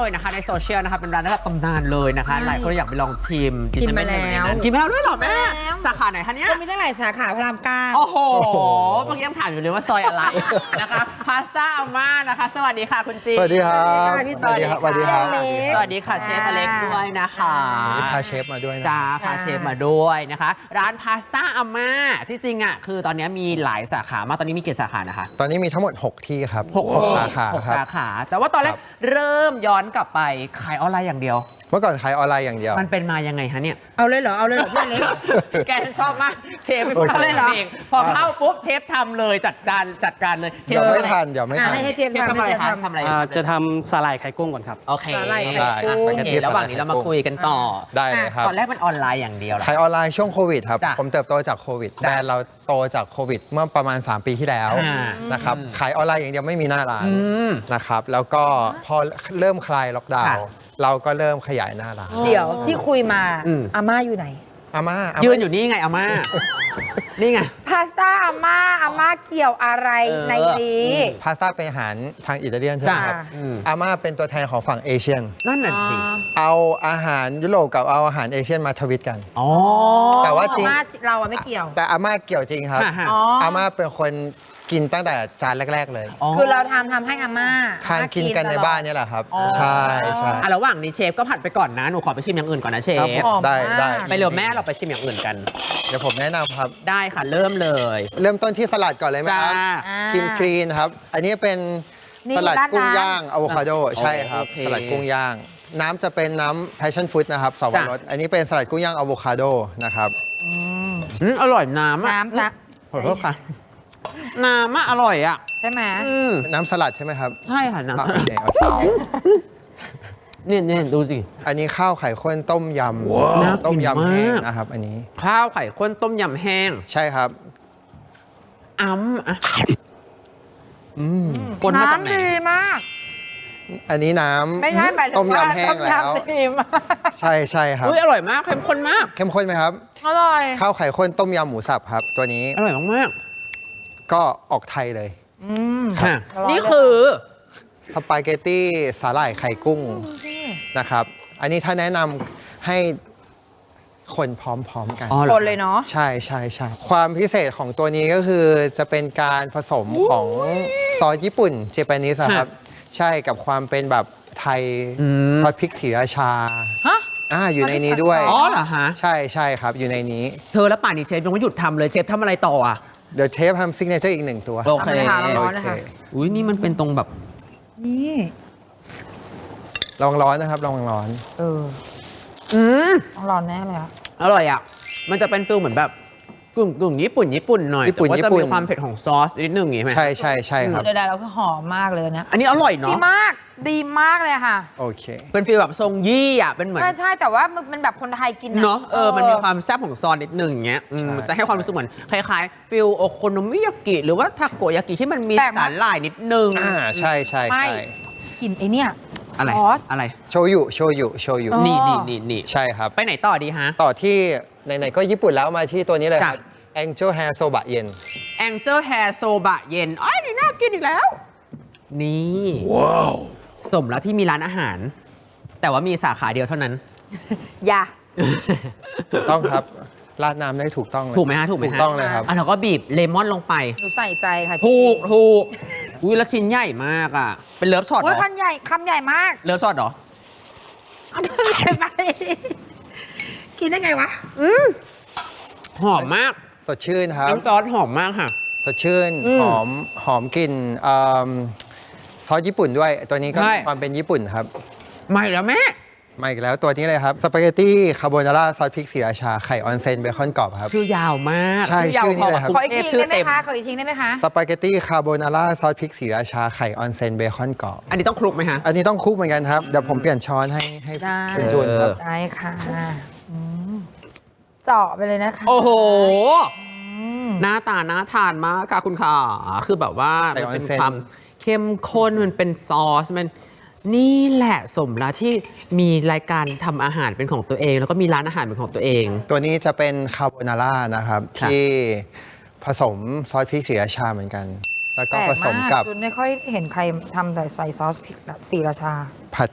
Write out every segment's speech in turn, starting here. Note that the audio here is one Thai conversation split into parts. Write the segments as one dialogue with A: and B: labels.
A: นะคะในโซเชียลนะคะเป็นร้านระดับตำนานเลยนะคะหลายคนอยากไปลองชิม
B: กินไปแล้ว
A: กินไปแล้วด้วยเหรอแม่สาขาไหนคะเนี่ย
B: ก็มีตั้งหลายสาขาพระรามเก้า
A: โอ้โหเมื่อกี้ยังถามอยู่เลยว่าซอยอะไรนะคะพาสต้าอาม่านะคะสวัสดีค่ะคุณจี
C: สวัสดีครับ
B: สวัสดีค่ะ
C: สวัสดีครับ
A: สวัสดีค่ะเชฟอเล็กด้วยนะคะ
C: พาเชฟมาด้วยนะ
A: จ้าพาเชฟมาด้วยนะคะร้านพาสต้าอาม่าที่จริงอ่ะคือตอนนี้มีหลายสาขามากตอนนี้มีกี่สาขานะคะ
C: ตอนนี้มีทั้งหมด 6 ที่ครับ
A: 6
C: สาขา
A: หก
C: ครับ
A: สาขาแต่ว่าตอนแรก
C: ครับ
A: เริ่มย้อนกลับไปขายออนไลน์อย่างเดียว
C: เมื่อก่อนขายออนไลน์อย่างเดียว
A: มันเป็นมายังไงคะเนี่ย
B: เอาเลยเหรอพี่เล็ก
A: แกฉันชอบมากเชฟเป็น
C: โอ
A: คน
C: เค
A: ทำเองพอเข้าปุ๊บเชฟทำเลยจัดการเลยเช
C: เดี๋
A: ฟ
C: ยว
A: ทำ
C: ไม่
A: อะไร
C: ทันเดี๋ยวไม่ทัน
B: ให้เชฟ
A: เชฟทำอะไรคะทำอะไร
D: จะทำสาหร่ายไข่กุ้งก่อนครับ
A: โอเค
B: สาหร่ายไข่
C: ได้
B: กุ้ง
C: สปาเกตตี้
A: ระหว่างนี้เรามาคุยกันต่อ
C: ได้เลยครับ
A: ตอนแรกมันออนไลน์อย่างเดียวเหรอ
C: ขายออนไลน์ช่วงโควิดครับ
A: จ้ะ
C: ผมเติบโตจากโควิด
A: จ้ะ
C: แบรนด์เราโตจากโควิด เมื่อประมาณ 3 ปีที่แล้ว
A: อ่า
C: นะครับขายออนไลน์อย่างเดียวไม่มีหน้าร้าน
A: ม
C: นะครับแล้วก็พอเริ่มคลายล็อกดาว
A: ค่ะ
C: น์เราก็เริ่มขยายหน้าร้าน
B: เดี๋ยวที่คุยมา
A: อืม
B: อาม่าอยู่ไหน
C: อาม่า
A: ยืนอยู่นี่ไงอาม่า นี่ไง
B: พาสต้าอาม่าเกี่ยวอะไร
A: เออ
B: ในนี้
C: พาสต้าเป็นอาหารทางอิตาเลียนใช่ไหม
A: จ้ะ
C: ครับ
A: อืม
C: อาม่าเป็นตัวแทนของฝั่งเอเชียน
A: นั่นน่ะสิ
C: เอาอาหารยุโรปกับเอาอาหารเอเชียนมาทวิตกัน
A: อ๋อ
C: แต่ว่าจริง
B: อาม่าเราอะไม่เกี่ยว
C: แต่อาม่าเกี่ยวจริงครับ
A: ฮะ
B: อ๋อ
C: อาม่าเป็นคนกินตั้งแต่จานแรก ๆ เลย
B: คือเราทำให้อาม่า
C: ทานกินกันในบ้านเนี่ยแหละครับ
B: อ๋อ
C: ใช่ใช่
A: อ่ะระหว่างนี้เชฟก็ผัดไปก่อนนะ หนูขอไปชิมอย่างอื่นก่อนนะเชฟ
C: ครับผม ได้
A: ไปเร็วแม่เราไปชิมอย่างอื่นกัน
C: เดี๋ยวผมแนะนำครับ
A: ได้ค่ะเริ่มเลย
C: เริ่มต้นที่สลัดก่อนเลยไหมครับ
A: จ้า
C: กินกรีนครับ อันนี้เป็น
B: นี่
C: สลัด
B: ราด
C: กุ้ง
B: น้ำ
C: ย่างอะโวคาโดใช่ครับ
A: โอเค
C: สลัดกุ้งย่าง น้ำจะเป็นน้ำ passion fruit นะครับสวรสอันนี้เป็นสลัดกุ้งย่างอะโวคาโดนะครับ
A: อร่อยน้ำอ่ะ
B: น้ำนะ
A: ขอโทษค่ะ น้ำอ่ะอร่อยอ่ะ
B: ใช่ไหม
A: อืม
C: น้ำสลัดใช่ไหมครับ
A: ใช่ค่ะน้
C: โอเคโอเค
A: ำเนี่ยดูสิ
C: อันนี้ข้าวไข่ข้นต้มย
A: น่ากิน
C: ำต้มยำแห้ง
A: มาก
C: นะครับ อันนี้
A: ข้าวไข่ข้นต้มยำแห้ง
C: ใช่ครับ
A: อ่ะ
C: อืม
A: คนมาจากไหน
B: น้ำดีมาก
C: อันนี้น้
B: ไม่ใช่หมายถึ
C: ำต้
B: ง
C: ม
B: ว่าย
C: ำแห้งแล้ว
B: ต้มยำดีมาก
C: ใช่ใช่ครับ
A: อุ้ยอร่อยมากเข้มข้นมาก
C: เข้มข้นไหมครับ
B: อร่อย
C: ข้าวไข่ข้นต้มยำหมูสับครับ ตัวนี้
A: อร่อยมาก
C: ก็ออกไทยเลย
A: ๆค่ะ
B: อร่อย
A: นี่คือ
C: สปาเกตตี้สาหร่ายไข่กุ้งนะครับ อันนี้ถ้าแนะนำให้คนพร้อมๆกัน
A: อ๋อ
B: คนเลยเนาะ
C: ใช่ใช่ใช่ความพิเศษของตัวนี้ก็คือจะเป็นการผสมของซอสญี่ปุ่นเจแปนิสครับ ใช่กับความเป็นแบบไทย
A: อืม
C: ซอสพริกศรีราชา
B: ฮะ
C: อยู่ในนี้ด้วย
A: อ๋อเหรอฮะ
C: ใช่ใช่ครับ อยู่ในนี้
A: เธอแล้วป่านนี้เชฟยังไม่หยุดทำเลยเชฟทำอะไรต่ออ่ะ
C: เดี๋ยวเชฟทำซิกเนเจอร์อีกหนึ่งตัว
A: โอเค
B: ทำเลยค่ะร้อนๆเลย
C: โอเค
B: ค่ะ
A: อุ้ยนี่มันเป็นตรงแบบ
B: นี่
C: ลองร้อนนะครับลองร้อน
B: เออ
A: อืม
B: ต้องร้อนแน่เลยอะ
A: อร่อยอ่ะ มันจะเป็นฟิลเหมือนแบบกึ่งญี่ปุ่นหน่อย
C: ญี่ปุ่น
A: แต่ว่าจะ
C: ญี่ปุ่น
A: มีความเผ็ดของซอสนิดนึงอย่างงี้ไหม
C: ใช่ใช่ใช่ครับ
B: ใดๆเราคือหอมมากเลยนะ
A: อันนี้อร่อย
B: ดี
A: เนาะ
B: มาก ดีมากเลยค่ะ
C: โอเค
A: เป็นฟิลแบบทรงยี่อ่ะ เป็นเหมือน
B: ใช่แต่ว่ามันเป็นแบบคนไทยกิน
A: เนาะมันมีความแซ่บของซอสนิดนึงอย่างเงี้ย
C: ใช่
A: จะให้ความรู้สึกเหมือนคล้ายๆฟิลโอโคโนมิยากิหรือว่าทาโกยากิที่มันมี
B: แปลกมาก
A: สาหร่ายนิดนึง
C: ใช่ใช่
B: ไม่
C: ใช่
B: กินไอเนี่ย
A: อะไร
B: ซอส
A: อะไร
C: โชยุโชยุโชยุ
B: อ๋อ
A: นี่
C: ใช่ครับ
A: ไปไหนต่อดีฮะ
C: ต่อที่ไหนๆก็ญี่ปุ่นแล้วมาที่ตัวนี้เลยค
A: จ้ะ
C: รับ Angel Hair Soba เย็น
A: Angel Hair Soba เย็นอ้ยนี่น่ากินอีกแล้ว นี่ว้าวสมแล้วที่มีร้านอาหาร แต่ว่ามีสาขาเดียวเท่านั้น
B: อย่า
C: ถูกต้องครับ ราดน้ำได้ถูกต้องเลย
A: ถูกไหมฮะ ถูกไหม
C: ถู
A: ฮะ
C: กต้องเลยครับ
A: อ่ะเราก็บีบเลมอนลงไป
B: หนูใส่ใจค่ะ
A: ถูกอุ้ยแล้วชิ้นใหญ่มากอ่ะ เป็นเลิฟช็อตเห
B: โอ้
A: ร
B: ย
A: อ
B: คำใหญ่มาก
A: เลิฟช็อตเหรอ
B: ไปกินได้ไงวะ
A: หอมมาก
C: สดชื่นครับ
A: น้ำซอสหอมมากค่ะ
C: สดชื่น
A: อืม
C: หอมกลิ่นซอสญี่ปุ่นด้วย ตัวนี้ก็
A: ใช่
C: มีความเป็นญี่ปุ่นครับ
A: มาอีกแล้วแม่
C: มาอีกแล้วตัวนี้เลยครับ สปาเกตตี้คาโบนาร่าซอสพริกศรีราชา ไข่ออนเซนเบคอนกรอบครับ
A: ชื่อยาวมาก
C: ใช่
A: ยาว
C: ชื่อนี้เลยครับ
A: พ
B: ขออีกที
A: ชื่
B: ได้ไหม
A: เต็ม
B: คะ ขออีกทีได้ไหมคะ
C: สปาเกตตี้คาโบนาร่าซอสพริกศรีราชา ไข่ออนเซนเบคอนกรอบ
A: อันนี้ต้องคลุกไหมฮะ
C: อันนี้ต้องคลุกเหมือนกันครับ เดี๋ยวผมเปลี่ยนช้อนให้
B: ได้
C: คุณจูนครับ
B: ได้ค่ะอืมเจาะไปเลยนะคะ
A: โอ้โห
B: อืม
A: หน้าตาน่าทานมากค่ะคุณค่ะ คือแบบว่า
C: ใส่
A: มันเป็น
C: ออนเซ็น
A: ความเข้มข้นมันเป็นซอสมันนี่แหละสมแล้วที่มีรายการทำอาหารเป็นของตัวเอง แล้วก็มีร้านอาหารเป็นของตัวเอง
C: ตัวนี้จะเป็นคาโบนาร่านะครับ
A: ครับ
C: ที่ผสมซอสพริกศรีราชาเหมือนกัน แล้วก็
B: แปล
C: ผ
B: ก
C: สม
B: มาก
C: กับ
B: จุนไม่ค่อยเห็นใครทำแต่ใส่ซอสพริกแบบศรีราชา
C: ผัดกับ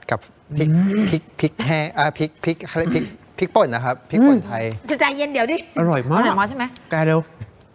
C: พริกแห้งพริกเขาเรียกพริกป่นนะครับพริกป่นไทย
B: จะใจเย็นเดี๋ยวดิ
A: อร่อยมาก
B: อร่อยมากใช่ไหม
A: แกเร็ว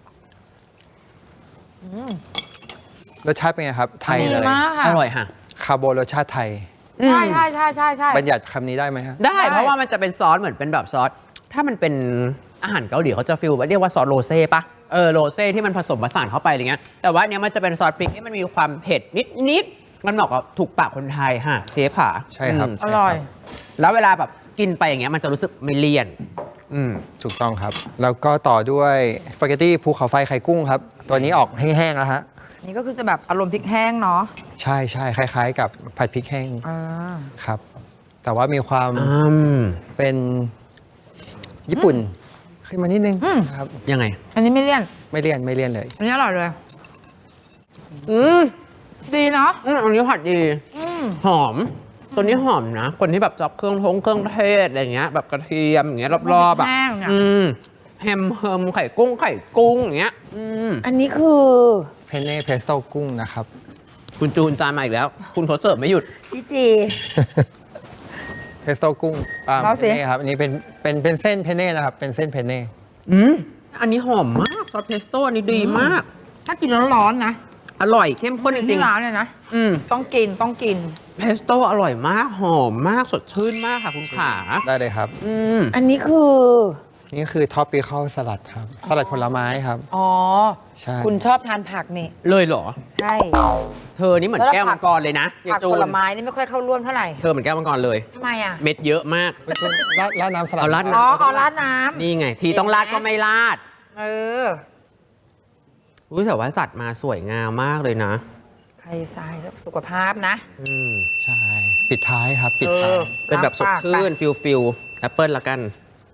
C: รสชาติเป็นไงครับ ไทย
B: ดี
C: เลย
B: มากค่ะ
A: อร่อยค่ะ
C: คาโบรสชาติไทย
B: ใช่ใช่ใช่ใช่ใช่
C: บัญญัติคำนี้ได้ไหมฮะ
A: ได้เพราะว่ามันจะเป็นซอสเหมือนเป็นแบบซอส ถ้ามันเป็นอาหารเกาหลีเขาจะฟิลเรียกว่าซอสโรเซ่ปะโรเซ่ที่มันผสมผสานเข้าไปอะไรเงี้ย แต่ว่าอันเนี้ยมันจะเป็นซอสพริกที่มันมีความเผ็ดนิดๆมันเหมาะกับถูกปากคนไทยฮะเชฟค่ะ
C: ใช่ครับ
B: อร่อย
A: แล้วเวลาแบบกินไปอย่างเงี้ยมันจะรู้สึกไม่เลี่ยน
C: ถูกต้องครับ แล้วก็ต่อด้วยสปาเกตตี้ภูเขาไฟไข่กุ้งครับ ตัวนี้ออกแห้งๆแล้วฮะ
B: นี่ก็คือจะแบบอารมณ์พริกแห้งเนาะ
C: ใช่ใช่คล้ายๆ กับผัดพริกแห้ง
B: อ่า
C: ครับ แต่ว่ามีความ
A: อืม
C: เป็นญี่ปุ่นขึ้นมานิดนึงครับ
A: ยังไง
B: อันนี้ไม่เลี่ยน
C: ไม่เลี่ยนเลย
B: อันนี้อร่อยเลย
A: อืม
B: ดีเนาะ
A: อันนี้ผัดดี
B: อืม
A: หอม ตัวนี้หอมนะ คนที่แบบชอบเครื่องเทศอะไรเงี้ย แบบกระเทียมอย่างเงี้ยรอบๆอ่ะ
B: แห้งเนี่ย
A: แฮมเฮิมไข่กุ้งอย่างเงี้ย
B: อันนี้คือ
C: เพนเน่เพสโต้กุ้งนะครับ
A: คุณจูนจานมาอีกแล้ว คุณเขาเสิร์ฟไม่หยุด
B: พี่จี
C: เพสโต้กุ้ง
B: เอาสิ
C: เพนเน่ครับอันนี้เป็นเส้นเพนเน่นะครับ เป็นเส้นเพนเน่
A: อันนี้หอมมากซอสเพสโต้อันนี้ดีมาก
B: ถ้ากินร้อนๆนะ
A: อร่อยเข้มข้นจริ
B: ที่
A: ง
B: ร้านเลยนะ
A: ๆอืม
B: ต้องกินต้องกิน
A: เพสโต้อร่อยมากหอมมากสดชื่นมากค่ะคุณขา
C: ได้เลยครับ
B: อันนี้คือ
C: นี่คือท็อปปิคอลสลัดครับ สลัดผลไม้ครับ
B: อ๋อ
C: ใช่
B: คุณชอบทานผักนี่
A: เลยเหรอ
B: ใช่
A: เธอนี่เหมือนแก้วมังกรเลยนะอย่า
B: ผัก
A: จู
B: ผ
A: น
B: ลไม้นี่ไม่ค่อยเข้าร่วมเท่าไหร่
A: เธอเหมือนแก้วมังกรเลย
B: ทำไมอ่ะ
A: เม็ดเยอะมาก
C: คุณจูนราดน้ำสลัด
A: เอาราด
B: อ๋อเอาราดน้
A: นี่ไง ทีต้องราดก็ไม่ราด
B: ำเออ
A: อุ้ยแต่ว่าจัดมาสวยงามมากเลยนะ
B: ใครทรายสุขภาพนะ
C: ใช่ ปิดท้ายครับ ปิดท้าย
A: เป็นแบบสดชื่นฟิลแอปเปิลละกัน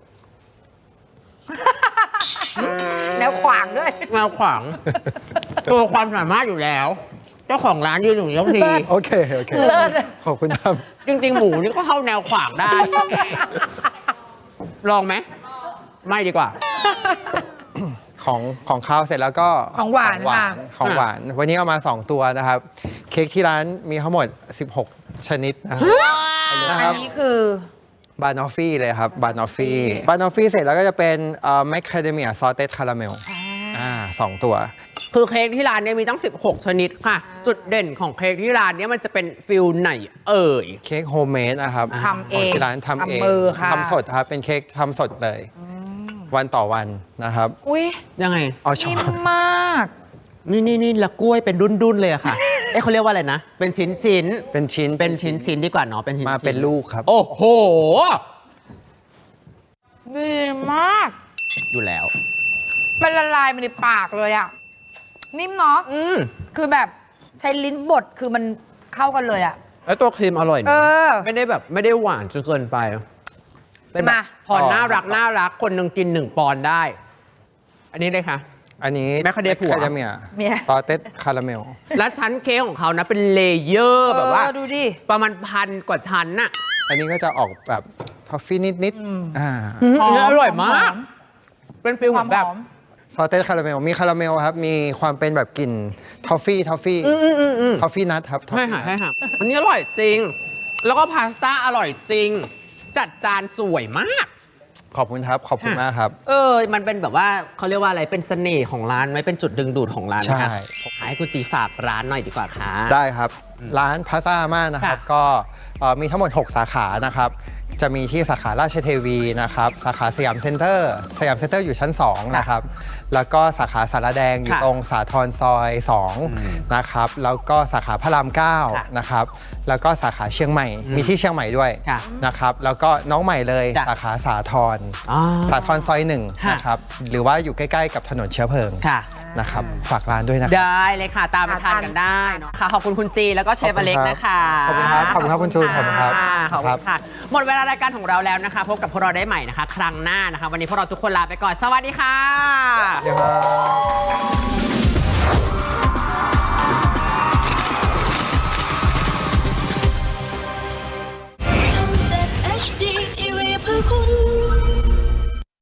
B: แนวขวางด้วย
A: แนวขวาง ตัวความสามารถอยู่แล้ว เจ้าของร้านยืนอยู่ทุกที
C: โอเค ขอบคุณครับ
A: จริง ๆ หมูนี่ก็เข้าแนวขวางได้ ลองไหม ไม่ดีกว่า
C: ของข้าวเสร็จแล้วก็
B: ของหวานค่ะ
C: ของหวาน วันนี้เอามา 2 ตัวนะครับ เค้กที่ร้านมีทั้งหมด 16 ชนิดนะครับ
B: อันนี้คือ
C: บานอฟฟี่เลยครับบานอฟฟี่เสร็จแล้วก็จะเป็นแมคคาเดเมียซอสเต็ดคาราเมล2 ตัว
A: คือเค้กที่ร้านเนี่ยมีตั้ง 16 ชนิดค่ะ จุดเด่นของเค้กที่ร้านเนี่ยมันจะเป็นฟิลไหนเอ่ย
C: เค้กโฮมเมดนะครับ
B: ทำเอง
C: ขที่ร้านทำเอง
B: ทำมือค่ะ
C: ทำสดครับ เป็นเค้กทำสดเลย วันต่อวันนะครับ
B: อุ้ย
A: ยังไง
C: เอาช้อ
B: นิ่ม
C: น
B: มาก
A: นี่ละกล้วยเป็นดุนๆเลยอะค่ะ เขาเรียกว่าอะไรนะ เป็นชิ้น
C: เป็นชิ้น
A: เป็นชิ้นดีกว่าเนาะ เป็นชิ้น
C: มาเป็นลูกครับ
A: โอ้โห
B: ดีมาก
A: อยู่แล้ว
B: มันละลายมาในปากเลยอ่ะ นิ่มเนาะ คือแบบใช้ลิ้นบดคือมันเข้ากันเลยอ่ะ
A: แล้วตัวครีมอร่อย
B: เอ
A: นะ
B: อ
A: ไม่ได้หวานจนเกินไป เป็นแบบ
B: มา
A: พอน่ารักคนหนึ่งกิน1 ปอนด์ได้ อันนี้เลยค่ะ
C: อันนี้
A: แมคคาเดเมีย
B: เมีย
C: ซอสเต็ดคาราเมล
A: แล้วชั้นเค้กของเขานะเป็นเลเยอร์แบบว่า
B: ดูดิ
A: ประมาณ1,000 กว่าชั้นน่ะ
C: อันนี้ก็จะออกแบบทอฟฟี่นิดๆ
A: อันนี้อร่อยมาก
B: หอม
A: เป็นฟิล
B: ค
A: เห
B: วา
A: มื
B: ม
A: อนแบบ
B: หอม
C: ซอสเต็ดคาราเมลมีคาราเมลครับ มีความเป็นแบบกลิ่นทอฟฟี่ทอฟฟี่นัทครับ
A: ใช่ค่ะใช่ค่ะอันนี้อร่อยจริง แล้วก็พาสต้าอร่อยจริง จัดจานสวยมาก
C: ขอบคุณครับ ขอบคุณมากครับ
A: มันเป็นแบบว่าเขาเรียกว่าอะไร เป็นเสน่ห์ของร้านไหมเป็นจุดดึงดูดของร้านนะคะ
C: ใช่
A: ให้คุณจีฝากร้านหน่อยดีกว่าค่ะ
C: ได้ครับ ร้านพาซ่าม่านะครับ
A: ค่ะ
C: ก็มีทั้งหมด 6 สาขานะครับ จะมีที่สาขาราชเทวีนะครับ สาขาสยามเซ็นเตอร์ อยู่ชั้น 2 นะครับ แล้วก็สาขาสารแดงอยู่
A: ค่ะ
C: ตรงสาทรซอย 2 นะครับ แล้วก็สาขาพระราม
A: ค่ะ
C: 9 นะครับ แล้วก็สาขาเชียงใหม่ มีที่เชียงใหม่ด้วย
A: ค่ะ
C: นะครับ แล้วก็น้องใหม่เลย
A: จ้ะ
C: สาขาสาทร
A: อ๋อ
C: สาทรซอย1
A: ค่ะ
C: นะครับ หรือว่าอยู่ใกล้ๆกับถนนเชื้อเพลิง
A: ค่ะ
C: นะครับ ฝากร้านด้วยนะครับ
A: ได้เลยค่ะ ตามมาทานกันได้เนอะค่ะ ขอบคุณคุณจีแล้วก็เชฟอเล็กนะคะ
C: ขอบคุณครับขอบคุณครับคุณจูนขอบคุณครับ
A: ขอบคุณค่ะ หมดเวลารายการของเราแล้วนะคะ พบกับพวกเราได้ใหม่นะคะ ครั้งหน้านะคะ วันนี้พวกเราทุกคนลาไปก่อน สวัสดีค่ะ
C: เดี๋ยวครับ
E: ทำจาก HD TV เพื่อคุณ